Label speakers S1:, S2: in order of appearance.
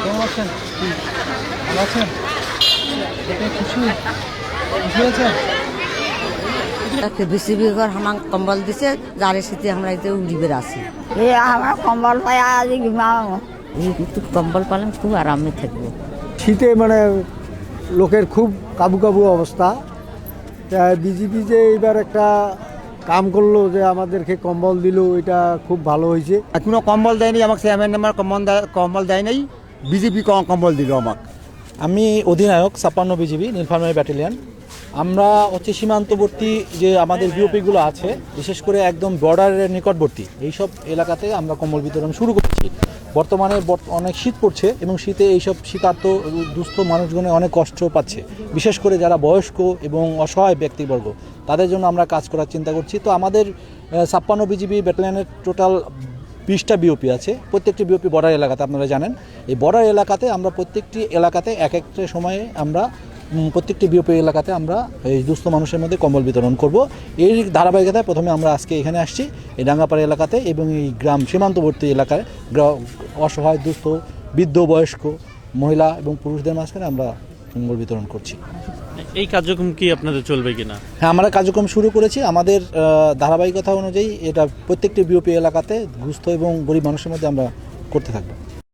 S1: কেমন আছেন? ভালো আছেন? এতে খুশি খুশি হয়েছেন?
S2: বিসিবি ঘর হামাং কম্বল দিছে যারে শীতে আমরা এতে উড়িবে আছি।
S3: এই আমার কম্বল পাই আজ ঘুমাও।
S2: এই একটু কম্বল পালাম খুব আরামে থাকবো।
S4: শীতে মানে লোকের খুব কাবু কাবু অবস্থা। বিজেপি যে এইবার একটা কাম করলো যে আমাদেরকে কম্বল দিল, এটা খুব ভালো হয়েছে।
S5: কোনো কম্বল দেয়নি আমাকে, চেয়ারম্যান আমার কম্বল দেয় নাই, বিজেপি কম্বল দিল আমাকে।
S1: আমি অধিনায়ক 56 বিজিবি নীলফামারী ব্যাটালিয়ন। আমরা হচ্ছে সীমান্তবর্তী যে আমাদের বিওপিগুলো আছে, বিশেষ করে একদম বর্ডারের নিকটবর্তী এইসব এলাকাতে আমরা কম্বল বিতরণ শুরু করছি। বর্তমানে অনেক শীত পড়ছে এবং শীতে এইসব শীতার্ত দুস্থ মানুষজনে অনেক কষ্ট পাচ্ছে, বিশেষ করে যারা বয়স্ক এবং অসহায় ব্যক্তিবর্গ, তাদের জন্য আমরা কাজ করার চিন্তা করছি। তো আমাদের 56 বিজিবি ব্যাটালিয়নের টোটাল 20টা বিওপি আছে। প্রত্যেকটি বিওপি বর্ডার এলাকাতে, আপনারা জানেন এই বর্ডার এলাকাতে আমরা প্রত্যেকটি এলাকাতে এক একটা সময়ে আমরা প্রত্যেকটি বিওপি এলাকাতে আমরা এই দুস্থ মানুষের মধ্যে কম্বল বিতরণ করব। এই ধারাবাহিকতায় প্রথমে আমরা আজকে এখানে আসছি এই ডাঙ্গাপাড়া এলাকাতে এবং এই গ্রাম সীমান্তবর্তী এলাকায় অসহায় দুস্থ বৃদ্ধ বয়স্ক মহিলা এবং পুরুষদের মাঝখানে আমরা কম্বল বিতরণ করছি।
S6: এই কার্যক্রম কি আপনাদের চলবে কিনা?
S1: হ্যাঁ, আমরা কার্যক্রম শুরু করেছি। আমাদের ধারাবাহিকতা অনুযায়ী এটা প্রত্যেকটি বিওপি এলাকাতে দুস্থ এবং গরিব মানুষের মধ্যে আমরা করতে থাকবো।